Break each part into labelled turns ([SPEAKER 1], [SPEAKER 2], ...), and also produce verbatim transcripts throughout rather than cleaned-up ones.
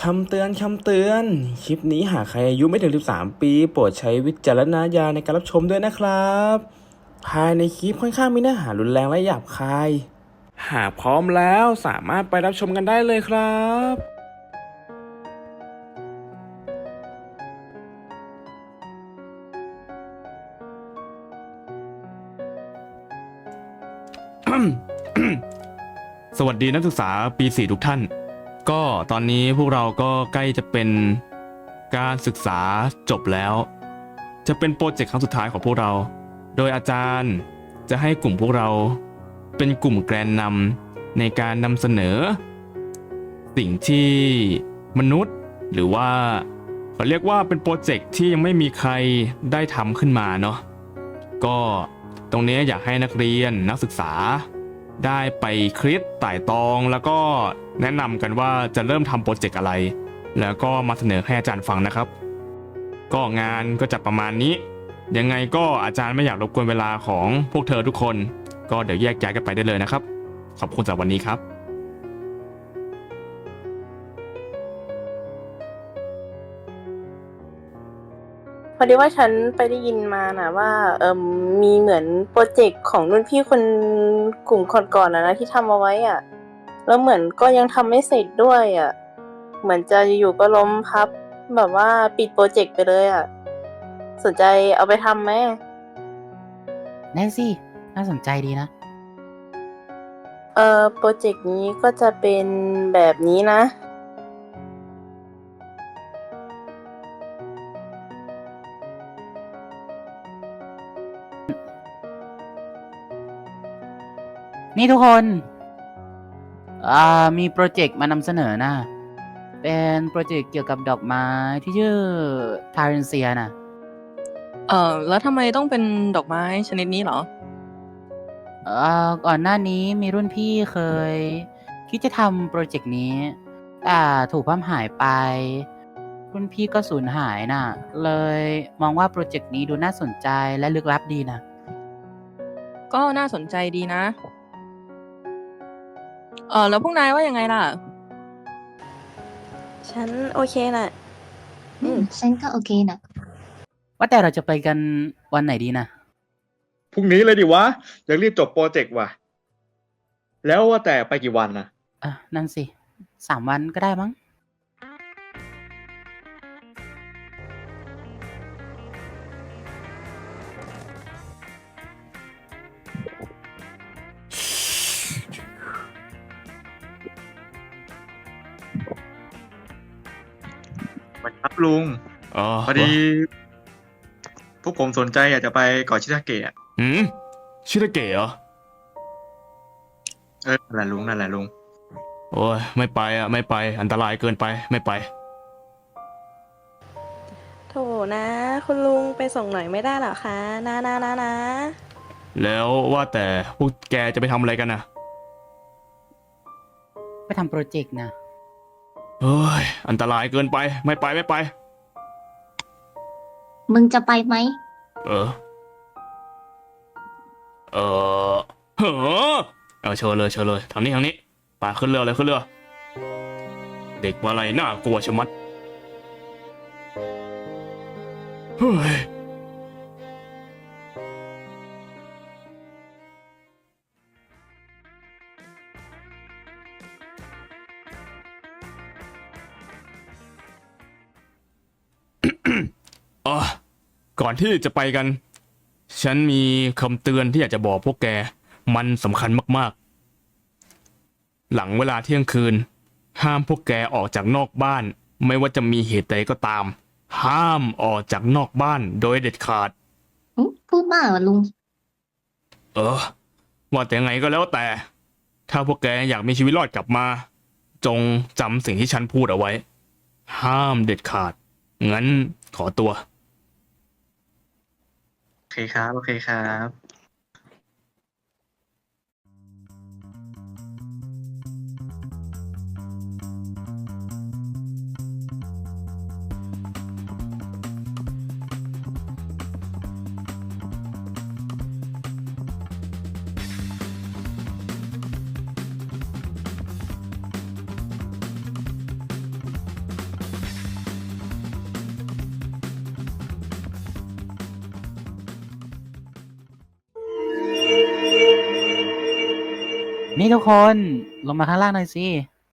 [SPEAKER 1] ำเตือนคำเตือน คลิปนี้หากใครอายุไม่ถึง สิบสาม ปี โปรดใช้วิจารณญาณในการรับชมด้วยนะครับ ภายในคลิปค่อนข้างมีเนื้อหารุนแรงและหยาบคาย หากพร้อมแล้วสามารถไปรับชมกันได้เลยครับ
[SPEAKER 2] สวัสดีนักศึกษาปีสี่ทุกท่าน ก็ตอนนี้พวกเราก็ใกล้จะเป็นการศึกษาจบแล้ว จะเป็นโปรเจกต์ครั้งสุดท้ายของพวกเรา โดยอาจารย์จะให้กลุ่มพวกเราเป็นกลุ่มแกนนำในการนำเสนอ สิ่งที่มนุษย์หรือว่าเขาเรียกว่าเป็นโปรเจกต์ที่ยังไม่มีใครได้ทำขึ้นมาเนาะก็ตรงนี้อยากให้นักเรียนนักศึกษาได้ไปคิดไต่ตรองแล้วก็แนะนำกันว่าจะเริ่มทำโปรเจกต์อะไรแล้วก็มาเสนอให้อาจารย์ฟังนะครับก็งานก็จะประมาณนี้ยังไงก็อาจารย์ไม่อยากรบกวนเวลาของพวกเธอทุกคนก็เดี๋ยวแยกย้ายกันไปได้เลยนะครับขอบคุณสำหรับวันนี้ครับ
[SPEAKER 3] พอดีว่าฉันไปได้ยินมานะว่าเออมีเหมือนโปรเจกต์ของรุ่นพี่คนกลุ่มก่อนๆนะนะที่ทำเอาไว้อ่ะแล้วเหมือนก็ยังทำไม่เสร็จด้วยอ่ะเหมือนจะอยู่ก็ล้มพับแบบว่าปิดโปรเจกต์ไปเลยอ่ะสนใจเอาไปทำไหม
[SPEAKER 4] แน่สิน่าสนใจดีนะ
[SPEAKER 3] เออโปรเจกต์นี้ก็จะเป็นแบบนี้นะ
[SPEAKER 4] นี่ทุกคนอ่ามีโปรเจกต์มานำเสนอนะเป็นโปรเจกต์เกี่ยวกับดอกไม้ที่ชื่อทาเรนเซียนะ
[SPEAKER 5] เอ่อแล้วทำไมต้องเป็นดอกไม้ชนิดนี้เหรอ
[SPEAKER 4] เอ่อก่อนหน้านี้มีรุ่นพี่เคยคิดจะทำโปรเจกต์นี้แต่ถูกพัมหายไปรุ่นพี่ก็สูญหายน่ะเลยมองว่าโปรเจกต์นี้ดูน่าสนใจและลึกลับดีนะ
[SPEAKER 5] ก็น่าสนใจดีนะเออแล้วพวกนายว่ายังไงล่ะ
[SPEAKER 3] ฉันโอเคน่ะ
[SPEAKER 6] อืมฉันก็โอเคนะ
[SPEAKER 4] ว่าแต่เราจะไปกันวันไหนดีนะ
[SPEAKER 7] พรุ่งนี้เลยดิวะอยากรีบจบโปรเจกต์ว่ะแล้วว่าแต่ไปกี่วันนะ
[SPEAKER 4] อ่ะนั่นสิสามวันก็ได้มั้ง
[SPEAKER 7] วันครับลุง
[SPEAKER 2] อ๋อ
[SPEAKER 7] พอดี พวกผมสนใจอยากจะไปเกาะชิทาเกะอะ
[SPEAKER 2] หืมชิตาเกะเหรอ
[SPEAKER 7] เออนั่นแหละลุงนั่นแหละลุง
[SPEAKER 2] โอ้ยไม่ไปอ่ะไม่ไปอันตรายเกินไปไม่ไป
[SPEAKER 3] โถนะคุณลุงไปส่งหน่อยไม่ได้หรอคะนะนะนะนะ
[SPEAKER 2] แล้วว่าแต่พวกแกจะไปทำอะไรกันนะ
[SPEAKER 4] ไปทำโปรเจกต์นะ
[SPEAKER 2] เฮ้ยอันตรายเกินไปไม่ไปไม่ไป
[SPEAKER 6] มึงจะไปไหม
[SPEAKER 2] เออเออเฮ้อเอาเชิญเลยเชิญเลยทางนี้ทางนี้ไปขึ้นเรือเลยขึ้นเรือเด็กว่าอะไรน่ากลัวชะมัดเฮ้ยอ๋อก่อนที่จะไปกันฉันมีคำเตือนที่อยากจะบอกพวกแกมันสำคัญมากๆหลังเวลาเที่ยงคืนห้ามพวกแกออกจากนอกบ้านไม่ว่าจะมีเหตุใดก็ตามห้ามออกจากนอกบ้านโดยเด็ดขาด
[SPEAKER 6] อืมพูดมากเหรอลุง
[SPEAKER 2] เออว่าแต่ไงก็แล้วแต่ถ้าพวกแกอยากมีชีวิตรอดกลับมาจงจำสิ่งที่ฉันพูดเอาไว้ห้ามเด็ดขาดงั้นขอตัว
[SPEAKER 7] โอเคครับโอเคครับ
[SPEAKER 4] นี่ทุกคนลงมาข้างล่างหน่อยสิ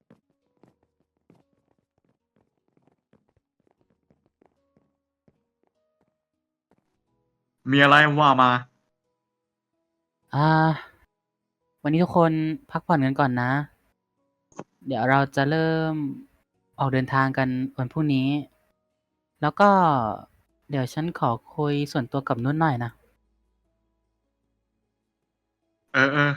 [SPEAKER 7] มีอะไรว่ามา
[SPEAKER 4] อ่า วันนี้ทุกคนพักผ่อนกันก่อนนะ เดี๋ยวเราจะเริ่มออกเดินทางกันวันพรุ่งนี้ แล้วก็เดี๋ยวฉันขอคุยส่วนตัวกับนุ่นหน่อยนะ
[SPEAKER 7] เออเออ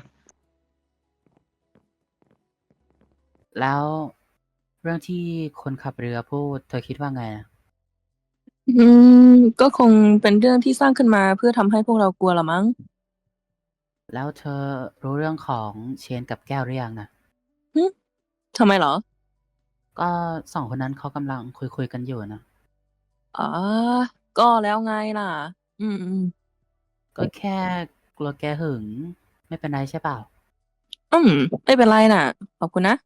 [SPEAKER 4] แล้วเรื่องที่คนขับเรือพูด เธอคิดว่าไงอะ
[SPEAKER 5] อืม ก็คงเป็นเรื่องที่สร้างขึ้นมาเพื่อทำให้พวกเรากลัวละมั้ง
[SPEAKER 4] แล้วเธอรู้เรื่องของเชนกับแก้วหรือยังนะ
[SPEAKER 5] หึทำไมเหรอ
[SPEAKER 4] ก็สองคนนั้นเขากำลังคุยคุยกันอยู่นะ
[SPEAKER 5] อ๋อ ก็แล้วไงล่ะ อืมอืม
[SPEAKER 4] ก็แค่กลัวแกหึง ไม่เป็นไรใช่เปล่า
[SPEAKER 5] อืม ไม่เป็นไรน่ะ ขอบคุณนะ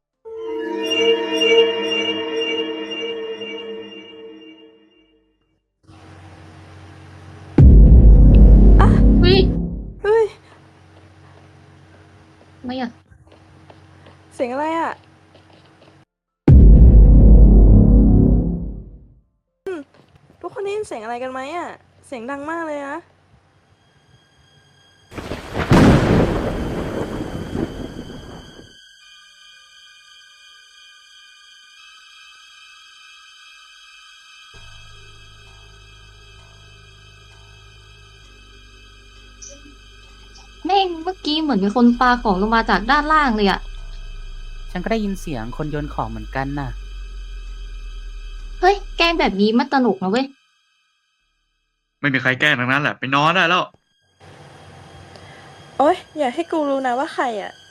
[SPEAKER 6] เฮ้ย
[SPEAKER 8] เฮ้ย
[SPEAKER 6] ไม่อะ
[SPEAKER 8] เสียงอะไรอ่ะ อืม ทุกคนได้ยินเสียงอะไรกันไหมอ่ะ เสียงดังมากเลยนะ
[SPEAKER 6] แม่งเมื่อกี้เหมือนมีคนปาของลงมาจากด้านล่างเลยอะ
[SPEAKER 4] ฉันก็ได้ยินเสียงคนโยนของเหมือนกันน่ะ
[SPEAKER 6] เฮ้ย แกล้งแบบนี้มันตลกนะเว้ย
[SPEAKER 7] ไม่มีใครแกล้งทั้งนั้นแหละ ไปนอนได้แล้ว
[SPEAKER 8] โอ๊ย อย่าให้กูรู้นะว่าใครอ่ะ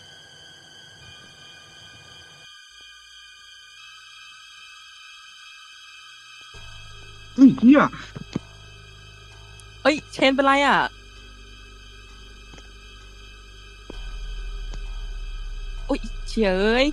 [SPEAKER 7] เฮ้ยเฮีย
[SPEAKER 5] เอ้ย เชนเป็นไรอ่ะ อุ้ยเฉยเอ้ย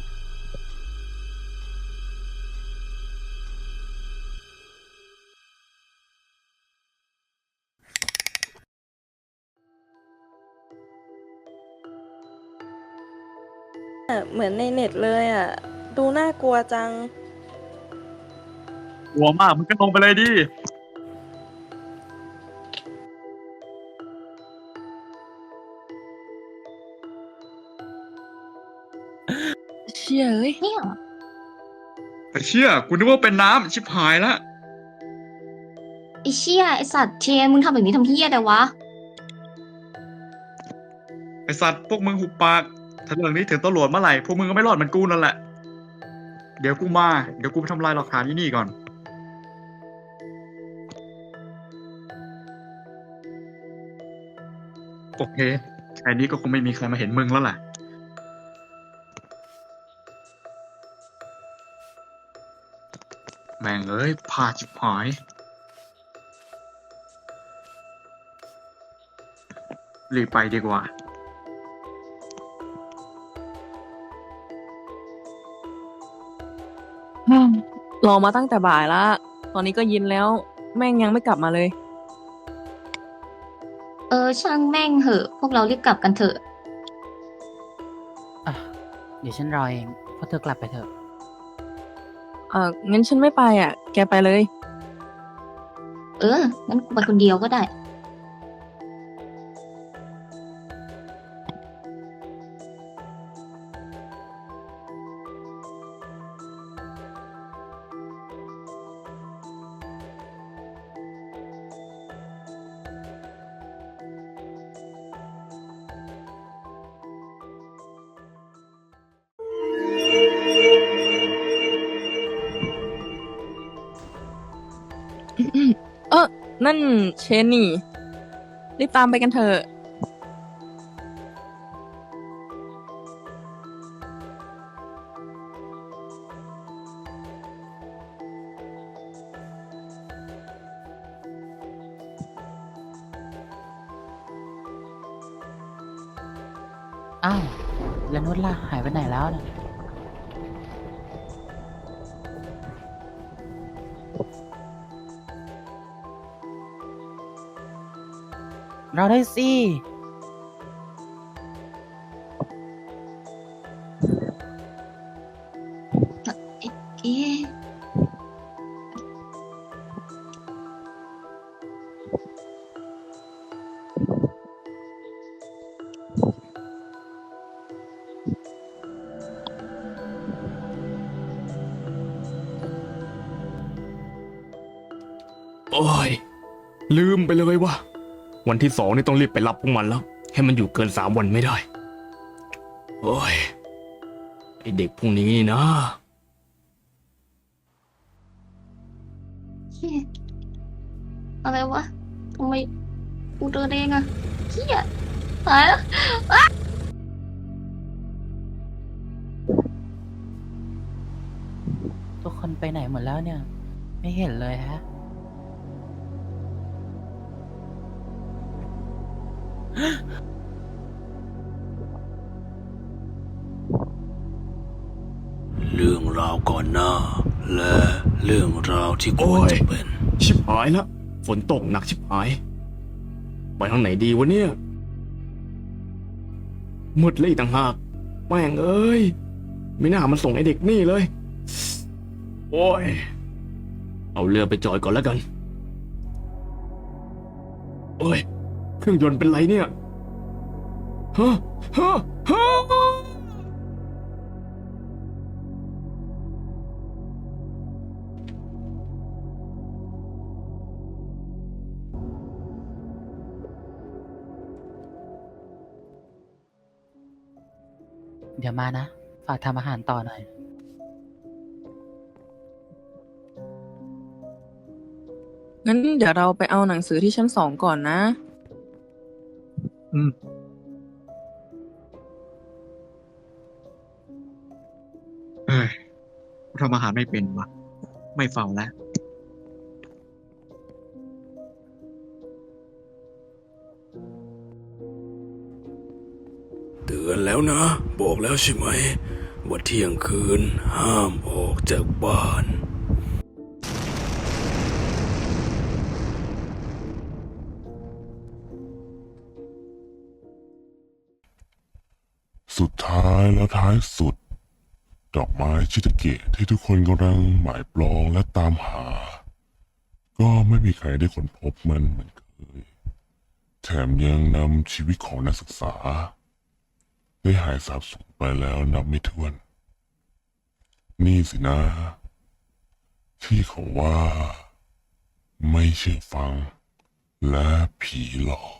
[SPEAKER 8] เหมือนในเน็ตเลยอ่ะ ดูน่ากลัวจัง
[SPEAKER 7] กลัวมากมึงก็ลงไปเลยดิ
[SPEAKER 5] เชี่ยเอ้ย
[SPEAKER 6] เนี่ย
[SPEAKER 7] ไอ้เชี่ยกูนึกว่าเป็นน้ำชิบหายละ
[SPEAKER 6] ไอเชี่ยไอสัตว์เชนมึงทำแบบนี้ทำเฮี้ยแต่วะ
[SPEAKER 7] ไอสัตว์พวกมึงหุบปาก ถ้าเรื่องนี้ถึงตำรวจเมื่อไหร่ พวกมึงก็ไม่รอดเหมือนกูนั่นแหละ เดี๋ยวกูมา เดี๋ยวกูไปทำลายหลักฐานที่นี่ก่อน โอเค แค่นี้ก็คงไม่มีใครมาเห็นมึงแล้วแหละ แม่งเอ้ยพลาดชิบหาย รีบไปดีกว่า
[SPEAKER 5] รอมาตั้งแต่บ่ายละ ตอนนี้ก็เยินแล้ว แม่งยังไม่กลับมาเลย
[SPEAKER 6] เออ ช่างแม่งเหอะ พวกเรารีบกลับกันเถอะ
[SPEAKER 4] อ่ะ เดี๋ยวฉันรอเองพวกเธอกลับไปเถอะ
[SPEAKER 5] เอองั้นฉันไม่ไปอ่ะ แกไปเลย
[SPEAKER 6] เออ งั้นกูไปคนเดียวก็ได้
[SPEAKER 5] เออนั่นเชนนี่ รีบตามไปกันเถอะ
[SPEAKER 4] อ้าว แล้วนุชล่ะ หายไปไหนแล้วนะเราได้สิ
[SPEAKER 6] เอ๊ะ
[SPEAKER 2] โอ้ย ลืมไปเลยว่า วันที่สองนี่ต้องรีบไปรับพวกมันแล้ว ให้มันอยู่เกินสามวันไม่ได้ โอ้ย ไอเด็กพวกนี้นี่นะ
[SPEAKER 6] เหี้ยอะไรวะทำไมกูเดินเองอะเฮียตายแล้ว
[SPEAKER 4] ทุกคนไปไหนหมดแล้วเนี่ย ไม่เห็นเลยฮะ
[SPEAKER 1] เรื่องราวก่อนหน้า และเรื่องราวที่ควรจะเป็น
[SPEAKER 2] ชิบหายแล้ว ฝนตกหนักชิบหาย ไปทางไหนดีวะเนี่ยมืดเลยอีกต่างหากแม่งเอ้ย ไม่น่ามันส่งไอเด็กนี่เลย โอ้ย เอาเรือไปจอยก่อนแล้วกัน โอ้ย เครื่องยนต์เป็นไรเนี่ย ฮะ ฮะ ฮะ
[SPEAKER 4] เดี๋ยวมานะ ฝากทำอาหารต่อหน่อย
[SPEAKER 5] งั้นเดี๋ยวเราไปเอาหนังสือที่ชั้นสองก่อนนะ
[SPEAKER 7] อืมเอ้ยกูทำอาหารไม่เป็นวะไม่เฝ้าแล้ว
[SPEAKER 1] เตือนแล้วนะ บอกแล้วใช่ไหม ว่าเที่ยงคืนห้ามออกจากบ้าน
[SPEAKER 9] สุดท้ายแล้วท้ายสุด ดอกไม้ชิตาเกะที่ทุกคนกำลังหมายปลองและตามหา ก็ไม่มีใครได้ค้นพบมันเหมือนเคย แถมยังนำชีวิตของนักศึกษา ได้หายสาบสูญไปแล้วนับไม่ถ้วน นี่สินะ ที่เขาว่า ไม่เชื่อฟังและผีหลอก